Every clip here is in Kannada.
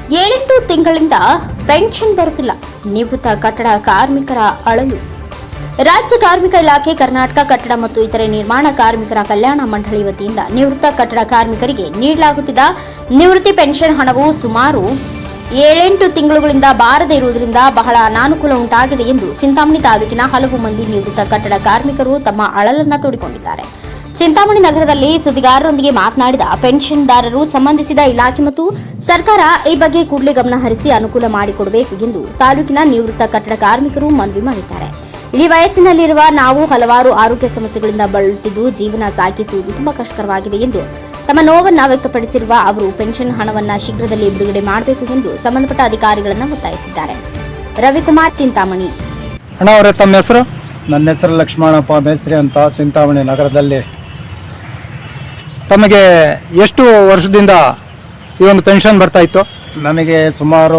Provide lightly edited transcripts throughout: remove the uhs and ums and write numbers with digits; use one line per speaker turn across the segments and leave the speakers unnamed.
7-8 ತಿಂಗಳಿಂದ ಪೆನ್ಷನ್ ಬರುತ್ತಿಲ್ಲ. ನಿವೃತ್ತ ಕಟ್ಟಡ ಕಾರ್ಮಿಕರ ಅಳಲು. ರಾಜ್ಯ ಕಾರ್ಮಿಕ ಇಲಾಖೆ, ಕರ್ನಾಟಕ ಕಟ್ಟಡ ಮತ್ತು ಇತರೆ ನಿರ್ಮಾಣ ಕಾರ್ಮಿಕರ ಕಲ್ಯಾಣ ಮಂಡಳಿ ವತಿಯಿಂದ ನಿವೃತ್ತ ಕಟ್ಟಡ ಕಾರ್ಮಿಕರಿಗೆ ನೀಡಲಾಗುತ್ತಿದ್ದ ನಿವೃತ್ತಿ ಪೆನ್ಷನ್ ಹಣವು ಸುಮಾರು 7-8 ತಿಂಗಳುಗಳಿಂದ ಬಾರದೇ ಇರುವುದರಿಂದ ಬಹಳ ಅನಾನುಕೂಲ ಉಂಟಾಗಿದೆ ಎಂದು ಚಿಂತಾಮಣಿ ತಾಲೂಕಿನ ಹಲವು ಮಂದಿ ನಿವೃತ್ತ ಕಟ್ಟಡ ಕಾರ್ಮಿಕರು ತಮ್ಮ ಅಳಲನ್ನು ತೋಡಿಕೊಂಡಿದ್ದಾರೆ. ಚಿಂತಾಮಣಿ ನಗರದಲ್ಲಿ ಸುದ್ದಿಗಾರರೊಂದಿಗೆ ಮಾತನಾಡಿದ ಪೆನ್ಷನ್ದಾರರು, ಸಂಬಂಧಿಸಿದ ಇಲಾಖೆ ಮತ್ತು ಸರ್ಕಾರ ಈ ಬಗ್ಗೆ ಕೂಡಲೇ ಗಮನ ಹರಿಸಿ ಅನುಕೂಲ ಮಾಡಿಕೊಡಬೇಕು ಎಂದು ತಾಲೂಕಿನ ನಿವೃತ್ತ ಕಟ್ಟಡ ಕಾರ್ಮಿಕರು ಮನವಿ ಮಾಡಿದ್ದಾರೆ. ಇಡೀ ವಯಸ್ಸಿನಲ್ಲಿರುವ ನಾವು ಹಲವಾರು ಆರೋಗ್ಯ ಸಮಸ್ಯೆಗಳಿಂದ ಬಳಲುತ್ತಿದ್ದು ಜೀವನ ಸಾಗಿಸುವುದು ತುಂಬಾ ಕಷ್ಟಕರವಾಗಿದೆ ಎಂದು ತಮ್ಮ ನೋವನ್ನು ವ್ಯಕ್ತಪಡಿಸಿರುವ ಅವರು ಪೆನ್ಷನ್ ಹಣವನ್ನು ಶೀಘ್ರದಲ್ಲಿ ಬಿಡುಗಡೆ ಮಾಡಬೇಕು ಎಂದು ಸಂಬಂಧಪಟ್ಟ ಅಧಿಕಾರಿಗಳನ್ನು ಒತ್ತಾಯಿಸಿದ್ದಾರೆ. ರವಿಕುಮಾರ್, ಚಿಂತಾಮಣಿ.
ಅಣ್ಣ ಅವರೇ, ತಮ್ಮ ಹೆಸರು?
ನನ್ನ ಹೆಸರು ಲಕ್ಷ್ಮಣಪ್ಪ ಮೇಸ್ತ್ರಿ ಅಂತ, ಚಿಂತಾಮಣಿ ನಗರದಲ್ಲಿ.
ತಮಗೆ ಎಷ್ಟು ವರ್ಷದಿಂದ ಈ ಒಂದು ಪೆನ್ಷನ್ ಬರ್ತಾ ಇತ್ತು?
ನನಗೆ ಸುಮಾರು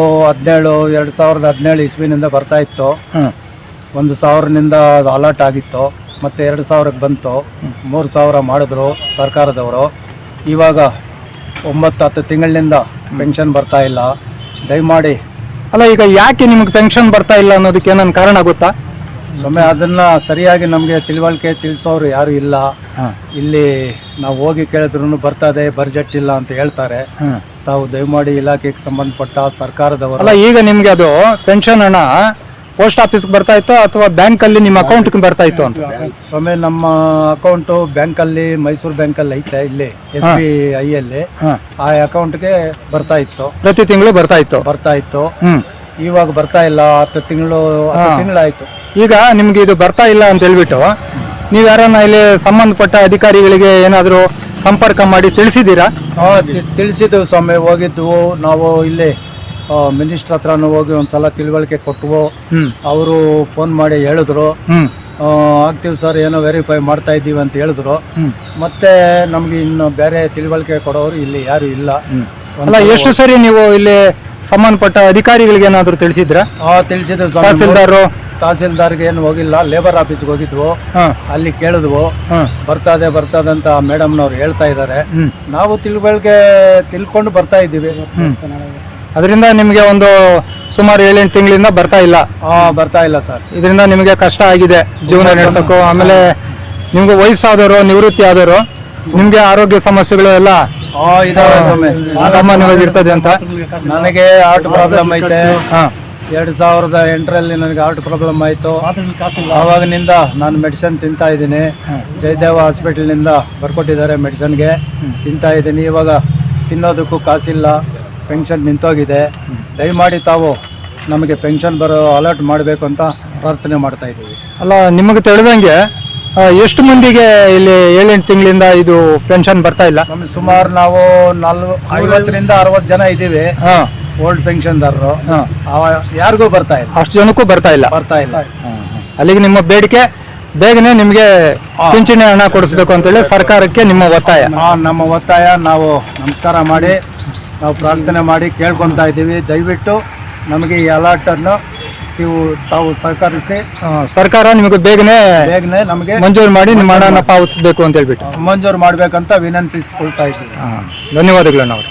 2017 ಇಸ್ವಿನಿಂದ ಬರ್ತಾ ಇತ್ತು. 1,000ನಿಂದ ಅದು ಅಲರ್ಟ್ ಆಗಿತ್ತು, ಮತ್ತು 2,000ಕ್ಕೆ ಬಂತು. 3,000 ಮಾಡಿದ್ರು ಸರ್ಕಾರದವರು. ಇವಾಗ 9-10 ತಿಂಗಳಿನಿಂದ ಪೆನ್ಷನ್ ಬರ್ತಾ ಇಲ್ಲ. ದಯಮಾಡಿ.
ಅಲ್ಲ, ಈಗ ಯಾಕೆ ನಿಮಗೆ ಪೆನ್ಷನ್ ಬರ್ತಾ ಇಲ್ಲ ಅನ್ನೋದಕ್ಕೆ ಏನಾದ್ರು ಕಾರಣ ಗೊತ್ತಾ?
ಒಮ್ಮೆ ಅದನ್ನು ಸರಿಯಾಗಿ ನಮಗೆ ತಿಳಿಸೋರು ಯಾರು ಇಲ್ಲ. ಇಲ್ಲಿ ನಾವು ಹೋಗಿ ಕೇಳಿದ್ರು ಬರ್ತದೆ, ಬಜೆಟ್ ಇಲ್ಲ ಅಂತ ಹೇಳ್ತಾರೆ. ತಾವು ದಯಮಾಡಿ ಇಲಾಖೆಗೆ ಸಂಬಂಧಪಟ್ಟ ಸರ್ಕಾರದವರು.
ಅಲ್ಲ, ಈಗ ನಿಮ್ಗೆ ಅದು ಪೆನ್ಷನ್ ಹಣ ಪೋಸ್ಟ್ ಆಫೀಸ್ಗೆ ಬರ್ತಾ ಇತ್ತು ಅಥವಾ ಬ್ಯಾಂಕಲ್ಲಿ ನಿಮ್ಮ ಅಕೌಂಟ್ಗೆ ಬರ್ತಾ ಇತ್ತು ಅಂತ?
ಒಮ್ಮೆ ನಮ್ಮ ಅಕೌಂಟು ಬ್ಯಾಂಕಲ್ಲಿ, ಮೈಸೂರು ಬ್ಯಾಂಕಲ್ಲಿ ಐತೆ, ಇಲ್ಲಿ SBI ಅಲ್ಲಿ. ಆ ಅಕೌಂಟ್ಗೆ ಬರ್ತಾ ಇತ್ತು,
ಪ್ರತಿ ತಿಂಗಳು ಬರ್ತಾ ಇತ್ತು.
ಇವಾಗ ಬರ್ತಾ ಇಲ್ಲ. 10 ತಿಂಗಳಾಯ್ತು.
ಈಗ ನಿಮ್ಗೆ ಇದು ಬರ್ತಾ ಇಲ್ಲ ಅಂತ ಹೇಳ್ಬಿಟ್ಟು ನೀವು ಯಾರನ್ನ ಇಲ್ಲಿ ಸಂಬಂಧಪಟ್ಟ ಅಧಿಕಾರಿಗಳಿಗೆ ಏನಾದರೂ ಸಂಪರ್ಕ ಮಾಡಿ ತಿಳಿಸಿದ್ದೀರಾ?
ತಿಳಿಸಿದ್ವು ಸ್ವಾಮಿ. ಹೋಗಿದ್ವು ನಾವು. ಇಲ್ಲಿ ಮಿನಿಸ್ಟರ್ ಹತ್ರನೂ ಹೋಗಿ ಒಂದ್ಸಲ ತಿಳುವಳಿಕೆ ಕೊಟ್ಟವು. ಅವರು ಫೋನ್ ಮಾಡಿ ಹೇಳಿದ್ರು, ಆಗ್ತೀವಿ ಸರ್, ಏನೋ ವೆರಿಫೈ ಮಾಡ್ತಾ ಇದ್ದೀವಿ ಅಂತ ಹೇಳಿದ್ರು. ಮತ್ತೆ ನಮ್ಗೆ ಇನ್ನು ಬೇರೆ ತಿಳುವಳಿಕೆ ಕೊಡೋರು ಇಲ್ಲಿ ಯಾರು ಇಲ್ಲ.
ಅಲ್ಲ, ಎಷ್ಟು ಸರಿ ನೀವು ಇಲ್ಲಿ ಸಂಬಂಧಪಟ್ಟ ಅಧಿಕಾರಿಗಳಿಗೆ ಏನಾದರೂ ತಿಳಿಸಿದ್ರ?
ತಿಳಿಸಿದ್ರು. ತಹಸೀಲ್ದಾರ್ಗೆ ಏನು ಹೋಗಿಲ್ಲ, ಲೇಬರ್ ಆಫೀಸ್ಗೆ ಹೋಗಿದ್ವು. ಅಲ್ಲಿ ಕೇಳಿದ್ವು, ಬರ್ತದೆ ಅಂತ ಮೇಡಮ್ನವ್ರು ಹೇಳ್ತಾ ಇದ್ದಾರೆ. ನಾವು ತಿಳ್ಕೊಂಡು ಬರ್ತಾ ಇದ್ದೀವಿ.
ಅದರಿಂದ ನಿಮಗೆ ಒಂದು ಸುಮಾರು 7-8 ತಿಂಗಳಿಂದ ಬರ್ತಾ ಇಲ್ಲ
ಸರ್.
ಇದರಿಂದ ನಿಮಗೆ ಕಷ್ಟ ಆಗಿದೆ ಜೀವನ ನಡೆಸೋಕ್ಕೂ. ಆಮೇಲೆ ನಿಮ್ಗೆ ವಯಸ್ಸಾದವರು, ನಿವೃತ್ತಿ ಆದವರು, ನಿಮ್ಗೆ ಆರೋಗ್ಯ ಸಮಸ್ಯೆಗಳು ಎಲ್ಲ ಸಾಮಾನ್ಯವಾಗಿರ್ತದೆ ಅಂತ.
ನನಗೆ ಹಾರ್ಟ್ ಪ್ರಾಬ್ಲಮ್ ಐತೆ. 2008ರಲ್ಲಿ ನನಗೆ ಹಾರ್ಟ್ ಪ್ರಾಬ್ಲಮ್ ಆಯಿತು. ಆವಾಗಿನಿಂದ ನಾನು ಮೆಡಿಸಿನ್ ತಿಂತಾ ಇದ್ದೀನಿ. ಜಯದೇವ ಹಾಸ್ಪಿಟಲ್ನಿಂದ ಬರ್ಕೊಟ್ಟಿದ್ದಾರೆ, ಮೆಡಿಸಿನ್ಗೆ ತಿಂತಾ ಇದ್ದೀನಿ. ಇವಾಗ ತಿನ್ನೋದಕ್ಕೂ ಕಾಸಿಲ್ಲ, ಪೆನ್ಷನ್ ನಿಂತೋಗಿದೆ. ದಯಮಾಡಿ ತಾವು ನಮಗೆ ಪೆನ್ಷನ್ ಅಲರ್ಟ್ ಮಾಡಬೇಕು ಅಂತ ಪ್ರಾರ್ಥನೆ ಮಾಡ್ತಾ ಇದ್ದೀವಿ.
ಅಲ್ಲ, ನಿಮಗೆ ತಿಳಿದಂಗೆ ಎಷ್ಟು ಮಂದಿಗೆ ಇಲ್ಲಿ 7-8 ತಿಂಗಳಿಂದ ಇದು ಪೆನ್ಷನ್ ಬರ್ತಾ ಇಲ್ಲ?
ನಮಗೆ ಸುಮಾರು ನಾವು 50ರಿಂದ 60 ಜನ ಇದ್ದೀವಿ ಓಲ್ಡ್ ಪೆನ್ಷನ್ದಾರರು. ಯಾರಿಗೂ ಬರ್ತಾ ಇಲ್ಲ.
ಅಷ್ಟು ಜನಕ್ಕೂ ಬರ್ತಾ ಇಲ್ಲ. ಅಲ್ಲಿಗೆ ನಿಮ್ಮ ಬೇಡಿಕೆ ಬೇಗನೆ ನಿಮಗೆ ಪಿಂಚಣಿ ಹಣ ಕೊಡಿಸ್ಬೇಕು ಅಂತೇಳಿ ಸರ್ಕಾರಕ್ಕೆ ನಿಮ್ಮ ಒತ್ತಾಯ?
ನಮ್ಮ ಒತ್ತಾಯ. ನಾವು ನಮಸ್ಕಾರ ಮಾಡಿ ನಾವು ಪ್ರಾರ್ಥನೆ ಮಾಡಿ ಕೇಳ್ಕೊತಾ ಇದ್ದೀವಿ. ದಯವಿಟ್ಟು ನಮಗೆ ಈ ಅಲರ್ಟನ್ನು ತಾವು ಸಹಕರಿಸಿ
ಸರ್ಕಾರ ನಿಮಗೆ ಬೇಗನೆ
ನಮಗೆ
ಮಂಜೂರು ಮಾಡಿ ನಿಮ್ಮ ಹಣನ ಪಾವತಿಸಬೇಕು ಅಂತ ಹೇಳ್ಬಿಟ್ಟು
ಮಂಜೂರು ಮಾಡಬೇಕಂತ ವಿನಂತಿಸ್ಕೊಳ್ತಾ ಇದ್ದೀವಿ.
ಧನ್ಯವಾದಗಳು. ನಾವು